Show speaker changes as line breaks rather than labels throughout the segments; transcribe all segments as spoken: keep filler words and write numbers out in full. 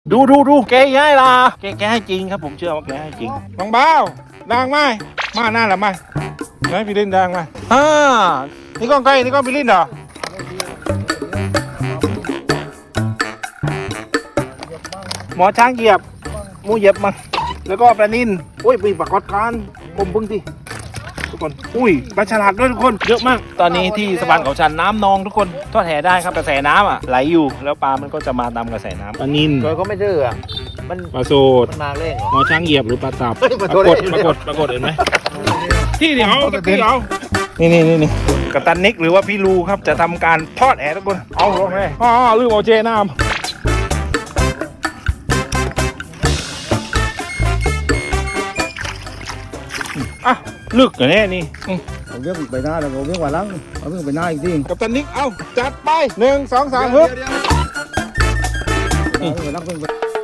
ดูดูดูแกย้ายละแกแกให้จริงครับผมเชื่อว่าแกให้จริงน้องเบาดังไหมมาหน้าหรือไม่ไหนพี่ลินดังไหมอ่านี่ก้องไก่นี่ก้องพี่ลินเหรอหมอช้างเหยียบมูเหยียบมาแล้วก็ปลานินอุ้ยปีปากกอดการผมพึ่งที่ทุกคนอุ้ยปลาฉลาดด้วยทุกคนเยอะมากตอนนี้ที่สะพานเขาชันน้ำนองทุกคนทอดแห่ได้ครับกระแสน้ำอ่ะไหลอยู่แล้วปลามันก็จะมาตามกระแสน้ำปลานิน
โดยก็ไม่ดื้ออ่ะมัน
ปลาโซด
มันมาเร่งเหรอ
หมอช้างเหยียบหรือปลาตับ
เฮ้ย
ป
ป
รา
ลาก โซ
ฏ
ด
ปรากฏปรากฏเห็นไหมที่เดียวตะกี้เดียวนี่นี่นี่นี่กัปตันนิกหรือว่าพี่ลูครับจะทำการทอดแห่ทุกคนเอาลงเลยอ๋อลืมเอาเจน้ำอ่ะลึกเหรอเนี่ยนี่อืม
เอาเรื่องไปหน้าแล้วเอาเรื่องว่าลังเอาเรื่องไปหน้าอีกที
กัปตันนิกเอาจัดไปหนึ่งสองสามฮึบ
เอาเรื่องไปลังเรื่องไป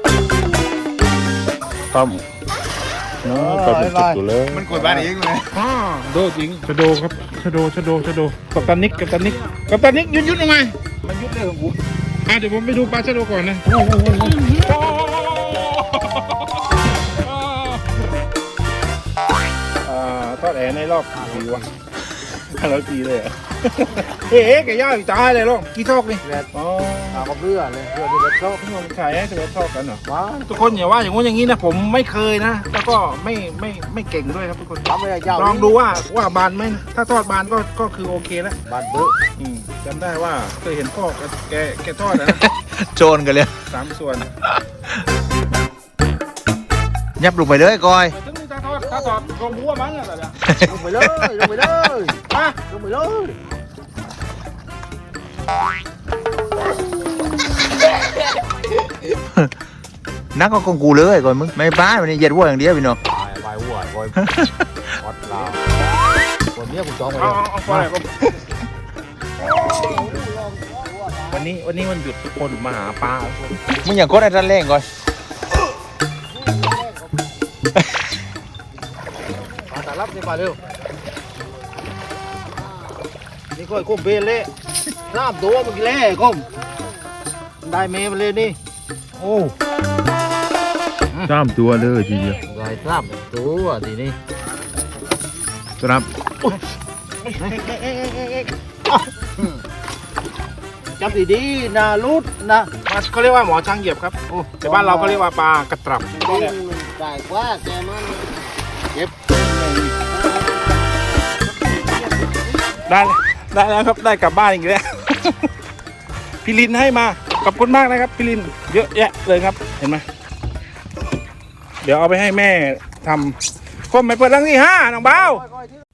ต้มเนาะก็เป็นจุดอยู่เลย
มันกดบ้านเองเลย
อ่าโดจริงชะโดครับชะโดชะโดชะโดกัปตันนิกกัปตันนิกกัปตันนิกยุดยุดยังไง
มันยุดเลยของกู
อ่ะเดี๋ยวผมไปดูปลาชะโดก่อนนะอ่าทอดแหในรอบกี่ปีวะร้อยปีเลยอ่ะเฮ้ยแกย่าอยู่ตายเลยลูกกี่ทอกนี่
แล้
อ๋อ
เอากับเรือเลยเรือที่เราชอบ
พี่น้องขายให้ถือว่าชอบกันเหรอ
ว้า
ทุกคนอย่าว่าอย่างงู้นอย่างนี้นะผมไม่เคยนะแล้วก็ไม่ไม่ไม่เก่งด้วยครับทุกคน
ทำไม่ได้เจ้า
ลองดูว่าว่าบานไหมนะถ้าทอดบานก็ก็คือโอเคแล้ว
บานเบื้อ
อืมจำได้ว่าเคยเห็นพ่อแกแกแกทอดนะ
โจนกันเลย
สามส่วน
ยับลงไปเลยก้อย
ถึงนี่ถ้าทอดถ้าทอดรวมหัวมันอะไรล่ะ
ลงไปเลยลงไปเลย
อ่ะ
ลงไปเลย
นักก็กงกูเลยก้อยมึงไม่บ้าวันนี้เหยียดวัวอย่างเดียวพี่น้อง
ไปไปวัวไปอดลาวคนนี้กูจองไป
เอา
เลย
เอาเอาไปเลยครับวันนี้วันนี้วันหยุดทุกคนมาหาปลาทุกคน
มึงอย่างกดไอ้ท่านเร่งก้อย
มาตาลับนี่มาเร็วนี่ก้อยก้มเบลเล่น้ำตัวเมื่อกี้เล่ก้มได้เมย์มาเลยนี่โอ้
ตามตัวเลยทีเดียว
ได้น้ำตัวทีนี้
ครับ
จับดีๆนะลุดนะ
มาเขาเรียกว่าหมอช้างเหยียบครับโอ้แต่บ้านเราเขาเรียกว่าปลากระตรับ
ได้กว่าแกมันเก็บ
ได้ได้แล้วครับได้กลับบ้านอีกแล้ว พี่ลินให้มาขอบคุณมากนะครับพี่ลินเยอะแยะเลยครับเห็นไหมเดี๋ยวเอาไปให้แม่ทำคมไม่เปิดรังที่ห้าน้องเบา